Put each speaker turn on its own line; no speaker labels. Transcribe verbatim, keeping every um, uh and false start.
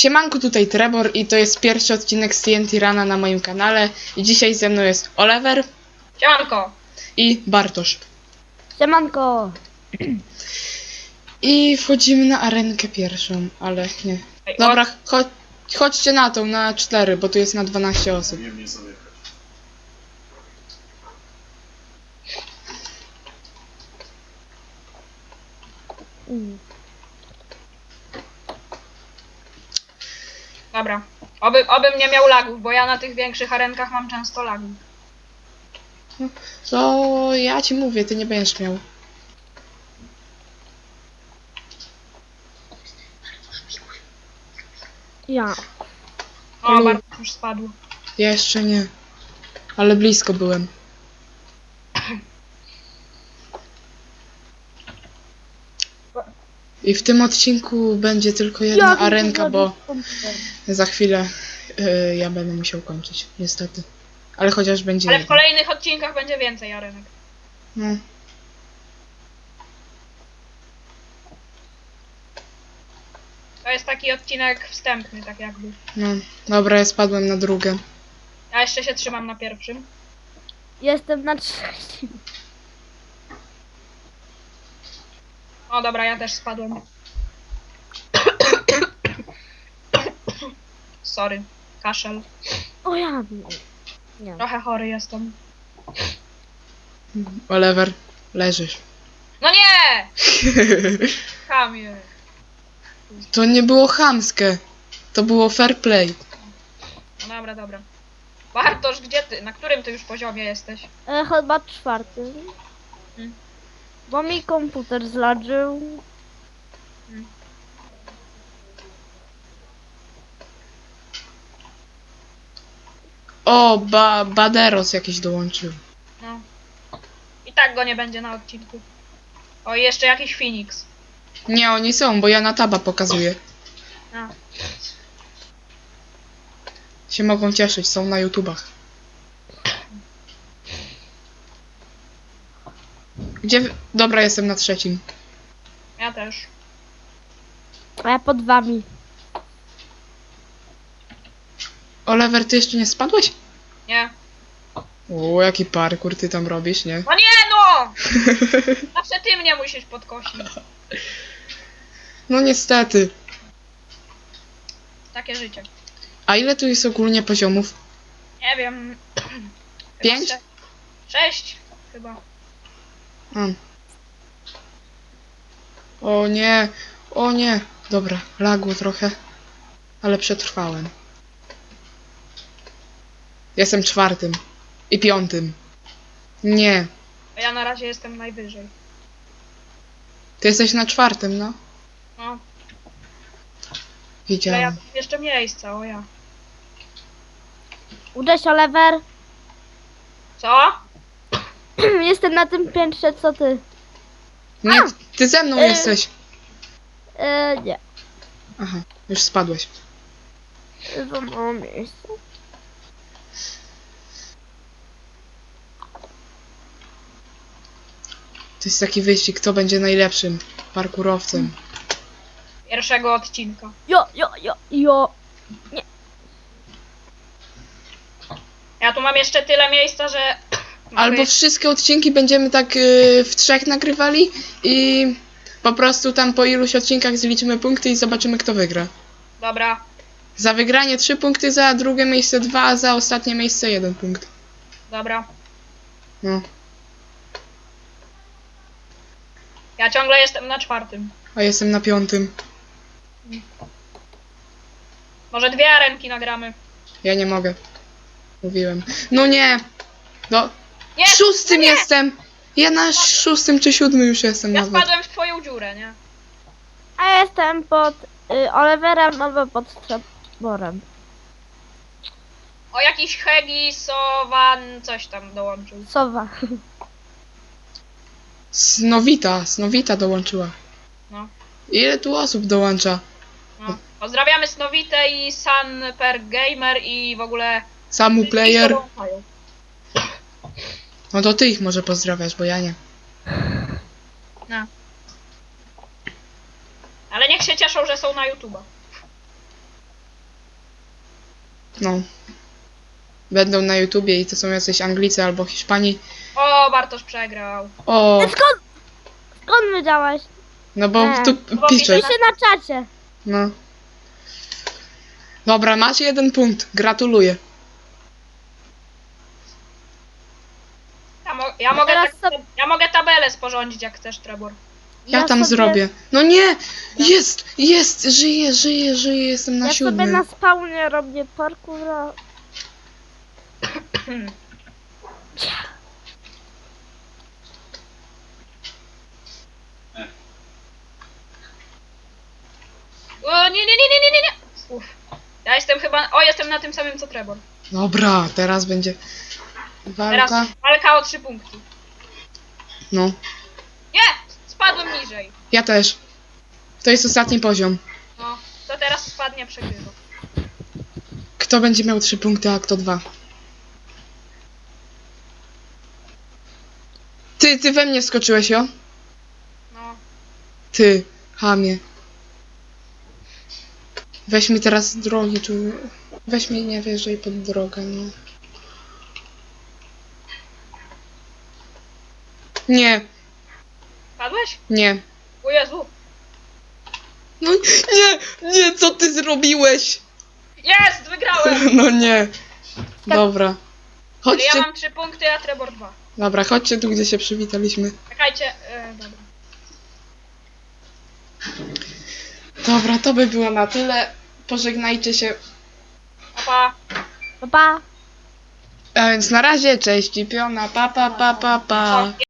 Siemanku, tutaj Trebor i to jest pierwszy odcinek z T N T Rana na moim kanale. I dzisiaj ze mną jest Oliver.
Siemanko.
I Bartosz.
Siemanko.
I wchodzimy na arenkę pierwszą, ale nie.
Ej,
Dobra, cho chodźcie na tą, na cztery, bo tu jest na dwanaście osób.
Nie mnie zamykać.
Mm.
Dobra. Oby, obym nie miał lagów, bo ja na tych większych arenkach mam często lagów.
To ja ci mówię, ty nie będziesz miał.
Ja.
O,
Olu.
bardzo już spadł.
Jeszcze nie. Ale blisko byłem. I w tym odcinku będzie tylko jedna
Jak
arenka, bo
komputer?
za chwilę y, ja będę musiał kończyć, niestety. Ale chociaż będzie
Ale w
jedna.
kolejnych odcinkach będzie więcej arenek.
No.
To jest taki odcinek wstępny, tak jakby.
No, dobra, ja spadłem na drugą.
Ja jeszcze się trzymam na pierwszym.
Jestem na trzecim.
O, dobra, ja też spadłem. Sorry. Kaszel.
O ja. Nie.
Trochę chory jestem.
Oliver, leżysz.
No nie! Kamie.
To nie było chamskie. To było fair play.
No dobra, dobra. Bartosz, gdzie ty? Na którym ty już poziomie jesteś?
E, chyba czwarty.
Hmm.
Bo mi komputer zladżył.
O, ba Baderos jakiś dołączył.
No. I tak go nie będzie na odcinku. O, i jeszcze jakiś Phoenix.
Nie, oni są, bo ja na taba pokazuję.
A.
Się mogą cieszyć, są na YouTubach. Gdzie... wy- Dobra, jestem na trzecim.
Ja też.
A ja pod wami.
Oliver, ty jeszcze nie spadłeś?
Nie.
O, jaki parkour ty tam robisz, nie?
No nie no! Zawsze ty mnie musisz podkosić.
No niestety.
Takie życie.
A ile tu jest ogólnie poziomów?
Nie wiem.
Pięć?
Chyba sze- Sześć chyba.
A. O nie, o nie. Dobra, lagło trochę, ale przetrwałem. Jestem czwartym i piątym. Nie,
A ja na razie jestem najwyżej.
ty jesteś na czwartym, no.
No. Ale ja
Widziałem.
mam jeszcze miejsca, o ja.
Uderz, Oliver.
Co?
Jestem na tym piętrze, co ty.
Nie, ty ze mną
Y.
jesteś.
E, nie.
Aha, już spadłeś.
Za mało miejsca.
To jest taki wyścig, kto będzie najlepszym parkurowcem.
Pierwszego odcinka.
Jo, jo, jo, jo.
Ja tu mam jeszcze tyle miejsca, że...
Albo
mogę-
wszystkie odcinki będziemy tak y, w trzech nagrywali i po prostu tam po iluś odcinkach zliczymy punkty i zobaczymy, kto wygra.
Dobra.
Za wygranie trzy punkty, za drugie miejsce dwa, a za ostatnie miejsce jeden punkt.
Dobra.
No,
Ja ciągle jestem na czwartym.
a jestem na piątym.
Może dwie arenki nagramy.
Ja nie mogę. Mówiłem. No nie! No,
Nie!
szóstym
no nie!
jestem! Ja na szóstym czy siódmym już jestem
Ja
nawet.
spadłem w twoją dziurę, nie?
A ja jestem pod y, Oliverem albo pod Treborem.
O, jakiś Hegi, Sowan, coś tam dołączył.
Sowa.
Snowita, Snowita dołączyła.
No.
Ile tu osób dołącza?
No. Pozdrawiamy Snowite i Sanper Gamer i w ogóle...
Samu
wszystkich,
Player.
co dołączają.
No to ty ich może pozdrawiasz, bo ja nie.
No. Ale niech się cieszą, że są na YouTube'a.
No. Będą na YouTubie i to są jacyś Anglicy albo Hiszpanii.
O, Bartosz przegrał.
O,
Skąd? Skąd wiedziałeś?
no bo
Nie.
tu
Bo
piszesz.
widzę
Piszę na czacie.
No. Dobra, masz jeden punkt. Gratuluję.
Ja, mo ja, mogę
Teraz
tak,
sobie-
ja mogę tabelę sporządzić, jak chcesz, Trebor.
Ja, tam
sobie,
zrobię. No nie! Jest! Jest! Żyję, żyję, żyję. Jestem na
Ja sobie
siódmym.
na spawnie robię parkoura.
O, nie, nie, nie, nie, nie, nie, nie. Uff. Ja jestem chyba... O, jestem na tym samym co Trebor.
Dobra, teraz będzie
Teraz
walka.
walka o trzy punkty.
No.
Nie! Spadłem niżej.
Ja też. To jest ostatni poziom.
No, to teraz spadnie, przegrywa.
Kto będzie miał trzy punkty, a kto dwa? Ty, ty we mnie wskoczyłeś, jo?
No.
Ty, chamie. Weź mi teraz z drogi, tu. Weź mnie, nie wjeżdżaj pod drogę, no. Nie,
Padłeś?
nie.
O Jezu.
No nie, nie, co ty zrobiłeś?
Jest! Wygrałem!
No nie. Dobra.
Ale
Chodźcie.
ja mam trzy punkty, a Trebor dwa.
Dobra, chodźcie tu, gdzie się przywitaliśmy.
Czekajcie. E, dobra.
Dobra, to by było na tyle. Pożegnajcie się.
Pa, pa.
Pa, pa.
A więc na razie, cześć i piona, pa pa pa pa pa.
O,